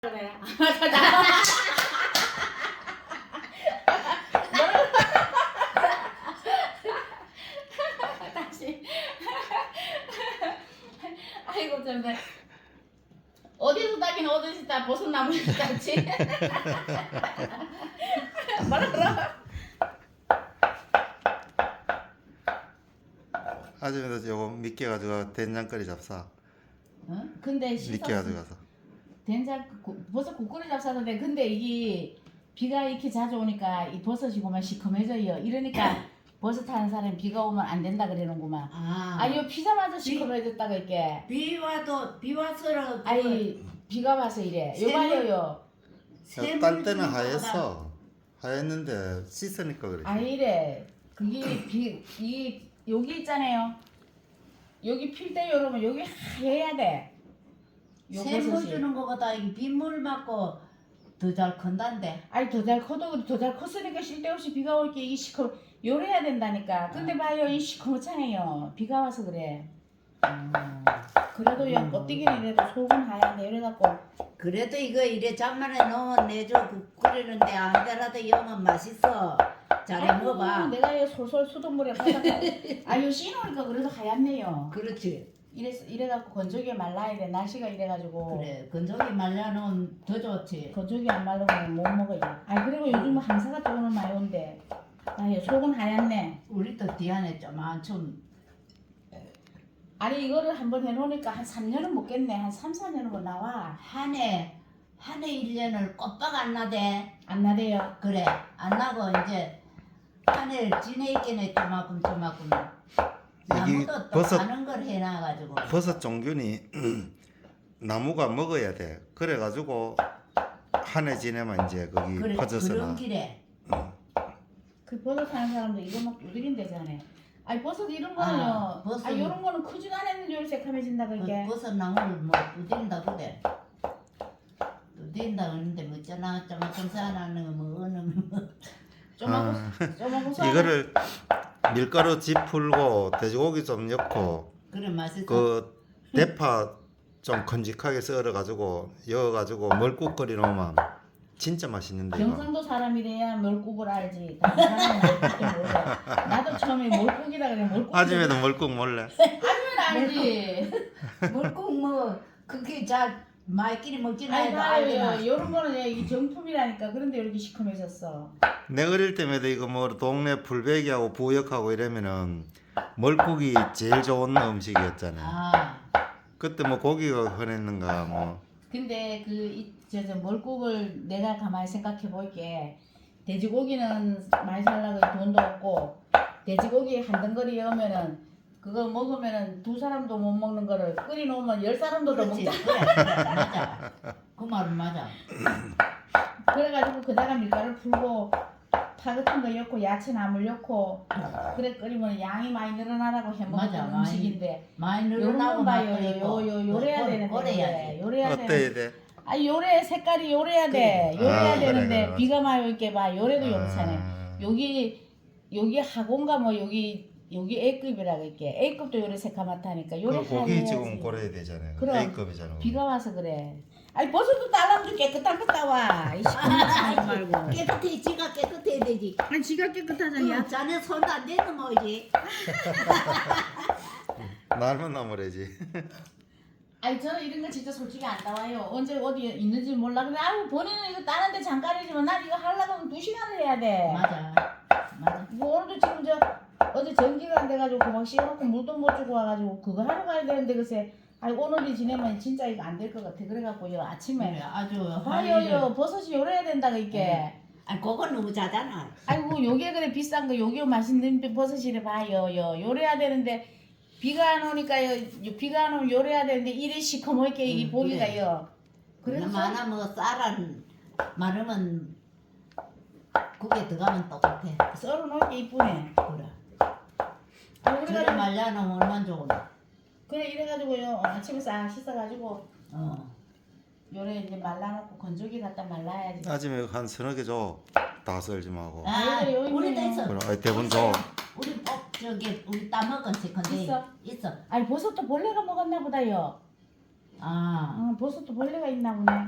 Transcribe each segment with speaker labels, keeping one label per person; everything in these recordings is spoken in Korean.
Speaker 1: 그래. 다시. 아이고 정말 어디서 따긴 어디서 따 버섯나무에서 따지. 뭐라 그러?
Speaker 2: 아줌마도 요거 미끼 가지고 된장거리 잡사.
Speaker 1: 어? 근데
Speaker 2: 미끼 가져가서.
Speaker 1: 된장 버섯 국거리 잡사는데 근데 이게 비가 이렇게 자주 오니까 이 버섯이 고만 시커매져요. 이러니까 버섯 하는 사람이 비가 오면 안 된다 그러는구만. 아유 피자마자 시커매졌다가 이렇게.
Speaker 3: 비 와서는
Speaker 1: 아이 비가 와서 이래. 요봐요.
Speaker 2: 딸 때는 하였어. 하였는데 씻으니까 그래.
Speaker 1: 아 이래. 그게 이 여기 있잖아요. 여기 필 때 여러분 여기 하얘야 돼. 요
Speaker 3: 샘물
Speaker 1: 버섯이.
Speaker 3: 주는 거보다 이 빗물 맞고 더 잘 큰단데.
Speaker 1: 아니 더 잘 커도 더 잘 컸으니까 쓸데없이 비가 올 게 이 시커 요래야 된다니까. 근데 봐요 이 시커멓잖아요. 비가 와서 그래. 그래도 야 껍데기는 이래도 속은 하얀데 이래갖고
Speaker 3: 그래도 이거 이래 잔만에 넣으면 내줘 끓이는데 안 되라도 영은 맛있어. 잘해
Speaker 1: 아이고,
Speaker 3: 먹어봐.
Speaker 1: 내가 이 솔솔 수돗물에 빠져가 아유 씻으니까 그래도 하얗네요.
Speaker 3: 그렇지.
Speaker 1: 이래갖고 건조기에 말라야 돼. 날씨가 이래가지고
Speaker 3: 그래 건조기 말려놓으면 더 좋지.
Speaker 1: 건조기 안 말르면 못 먹어요. 아 그리고 요즘 항사가 또 오늘 많이 온대. 아유 속은 하얗네.
Speaker 3: 우리도 뒤안에 좀한좀
Speaker 1: 아니 이거를 한번 해놓으니까 한 3년은 먹겠네. 한 3, 4년은 뭐 나와.
Speaker 3: 한해 1년을 꼬박 안 나대.
Speaker 1: 안 나대요.
Speaker 3: 그래 안 나고 이제 한 해를 지내있겠네 조마금.
Speaker 2: 이게
Speaker 3: 나무도 또
Speaker 2: 버섯-
Speaker 3: 가는 걸 해놔가지고.
Speaker 2: 버섯 종균이 나무가 먹어야 돼. 그래가지고 한 해 지내면 이제 거기
Speaker 3: 그래
Speaker 2: 퍼져서
Speaker 3: 그런
Speaker 2: 나.
Speaker 3: 길에.
Speaker 1: 그 버섯 하는 사람도 이거 막 두드린대잖아요. 아니 버섯 이런 거는요.
Speaker 3: 아, 버섯.
Speaker 1: 이런 거는 크지도 않았는데 요리 새카매진다 그게.
Speaker 3: 버섯 나무를 뭐 두딘다 그래. 두딘다 그러는데 뭐 조금 쌓아놨는 거뭐 어느 뭐.
Speaker 1: 조마고
Speaker 2: 이거를 밀가루 집 풀고 돼지고기 좀 넣고
Speaker 3: 그래 맛있어.
Speaker 2: 그 대파 좀 건직하게 썰어가지고 여가지고 멀국 끓여 놓으면 진짜 맛있는데 이거.
Speaker 1: 경상도 사람이래야 멀국을 알지. 다른 사람은 알지 몰라. 나도 처음에 멀국이라 그래. 멀국.
Speaker 2: 아줌마도 멀국 몰래.
Speaker 1: 아줌마는 알지.
Speaker 3: 물국 뭐 그게 잘 마이끼리 먹지는
Speaker 1: 아니
Speaker 3: 해도
Speaker 1: 봐요.
Speaker 3: 알잖아.
Speaker 1: 이런 거는 이 정품이라니까. 그런데 이렇게 시커매졌어.
Speaker 2: 내 어릴 때마다 이거 뭐 동네 풀베기하고 부역하고 이러면은 멀국이 제일 좋은 음식이었잖아.
Speaker 3: 아
Speaker 2: 그때 뭐 고기가 흔했는가 뭐.
Speaker 1: 근데 저 멀국을 내가 가만히 생각해 볼게. 돼지고기는 많이 살라고 돈도 없고 돼지고기 한 덩어리 여면은 그거 먹으면은 두 사람도 못 먹는 거를 끓여 놓으면 10사람도 더
Speaker 3: 그렇지.
Speaker 1: 먹자.
Speaker 3: 그래 맞아. 그 말은 맞아.
Speaker 1: 그래가지고 그다가 밀가루 풀고 파 같은 거 넣고 야채 나물 넣고 그래 끓이면 양이 많이 늘어나라고 해
Speaker 3: 맞아,
Speaker 1: 먹는
Speaker 3: 많이.
Speaker 1: 음식인데
Speaker 3: 많이
Speaker 1: 요런
Speaker 3: 늘어나고
Speaker 1: 건 봐요.
Speaker 3: 맛도 있고.
Speaker 1: 요래야 되는데
Speaker 3: 꼬래야지.
Speaker 1: 요래야
Speaker 2: 어때야
Speaker 1: 되는데
Speaker 2: 돼?
Speaker 1: 아 요래 색깔이 요래야 돼. 요래야
Speaker 2: 아, 그래,
Speaker 1: 되는데
Speaker 2: 그래,
Speaker 1: 비가 많이 올게 봐. 요래도 요렇잖아요.
Speaker 2: 아.
Speaker 1: 여기 하고인가 뭐 여기 A급이라 그럴게. A급도 요래 새카맣다니까. 요래
Speaker 2: 그 고기
Speaker 1: 하얘야지.
Speaker 2: 지금 고려야 되잖아요.
Speaker 1: 그럼.
Speaker 2: A급이잖아.
Speaker 1: 비가 와서 그래. 아니 버섯도 딸랑도 깨끗한 거 따와. 이 시커멓지 말고.
Speaker 3: 깨끗해 지가 깨끗해야 되지.
Speaker 1: 아니 지가 깨끗하잖아.
Speaker 3: 자네 손도 안 대도 뭐지.
Speaker 2: 날만 나무래지.
Speaker 1: 아니 저는 이런 거 진짜 솔직히 안 나와요. 언제 어디 있는지 몰라. 근데 아유 본인은 이거 따는데 잠깐이지만 난 이거 하려고 하면 2시간을 해야 돼.
Speaker 3: 맞아. 맞아.
Speaker 1: 뭐 오늘도 지금 어제 전기가 안 돼가지고 그막 씌워놓고 물도 못 주고 와가지고 그거 하러 가야 되는데 글쎄 아니 오늘이 지내면 진짜 이거 안 될 것 같아. 그래갖고요 아침에
Speaker 3: 그래, 아주
Speaker 1: 봐요 버섯이 요래야 된다 이게.
Speaker 3: 아니 그건 너무 자잖아.
Speaker 1: 아이고 요게 그래 비싼 거 요게 맛있는 버섯이래 봐요 요래야 되는데 비가 안 오니까요 비가 안 오면 요래야 되는데 이래 시커멓게 이게 보기가요.
Speaker 3: 그래서
Speaker 1: 그래서
Speaker 3: 많아 뭐 쌀은 마르면 국에 들어가면 똑같아.
Speaker 1: 썰어놓을 게 이쁘네.
Speaker 3: 그래.
Speaker 1: 아,
Speaker 3: 그래
Speaker 1: 그래가지고
Speaker 3: 말려놓으면 얼마나 좋은데.
Speaker 1: 그래 이래가지고요 아침에 싹 씻어가지고
Speaker 3: 어.
Speaker 1: 요래 이제 말라놓고 건조기 갖다 말라야지.
Speaker 2: 아침에 한 서너 개 줘. 다 썰지 말고.
Speaker 3: 아,
Speaker 1: 여기
Speaker 3: 우리도
Speaker 1: 있네요.
Speaker 3: 있어.
Speaker 2: 그럼 대본 줘.
Speaker 3: 우리 저기 우리 따먹은 세컨데
Speaker 1: 있어?
Speaker 3: 있어.
Speaker 1: 아니 버섯도 벌레가 먹었나 보다요.
Speaker 3: 아.
Speaker 1: 버섯도 벌레가 있나 보네.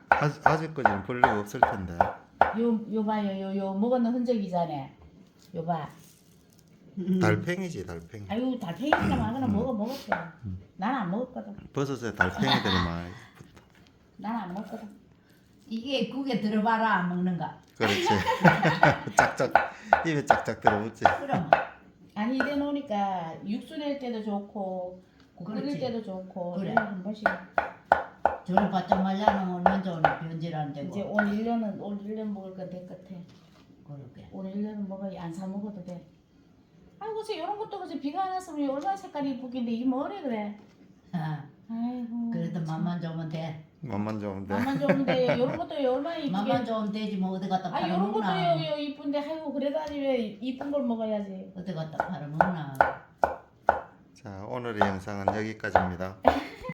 Speaker 2: 아직까지는 벌레가 없을 텐데.
Speaker 1: 요 봐요. 요 먹었는 흔적이잖아. 요 봐.
Speaker 2: 달팽이지 달팽이.
Speaker 1: 아유 달팽이나 마거나 먹었대. 난 안 먹었거든.
Speaker 2: 버섯에 달팽이들이 많이.
Speaker 1: 난 안 먹거든.
Speaker 3: 이게 국에 들어봐라 안 먹는가?
Speaker 2: 그렇지. 짝짝 입에 짝짝 들어붙지.
Speaker 3: 그럼
Speaker 1: 아니 이래 놓으니까 육수 낼 때도 좋고 국 끓일
Speaker 3: 그렇지.
Speaker 1: 때도 좋고
Speaker 3: 그래.
Speaker 1: 이래 한 번씩
Speaker 3: 저를 바짝 말려놓으면 언제 오늘 변질 안 되고
Speaker 1: 이제 올 1년 먹을 건 될 것 같아.
Speaker 3: 그러게.
Speaker 1: 올 1년은 먹어야 안 사 먹어도 돼. 아이고 그치 이런 것도 그치 비가 안 왔으면 얼마나 색깔이 이쁘긴데 이 뭐래 그래.
Speaker 3: 아,
Speaker 1: 아이고
Speaker 3: 그래도 맘만 좋으면 돼.
Speaker 2: 맛만 좋으면 돼.
Speaker 1: 맛만 좋은데 이런 것도 얼마나
Speaker 3: 맘만
Speaker 1: 이쁘게.
Speaker 3: 좋으면 되지 뭐 어디 갖다
Speaker 1: 아 이런 것도
Speaker 3: 팔아먹나.
Speaker 1: 요 이쁜데 아이고 그래도 아니 왜 이쁜 걸 먹어야지.
Speaker 3: 어디 갖다 팔아먹나.
Speaker 2: 자 오늘의 영상은 여기까지입니다.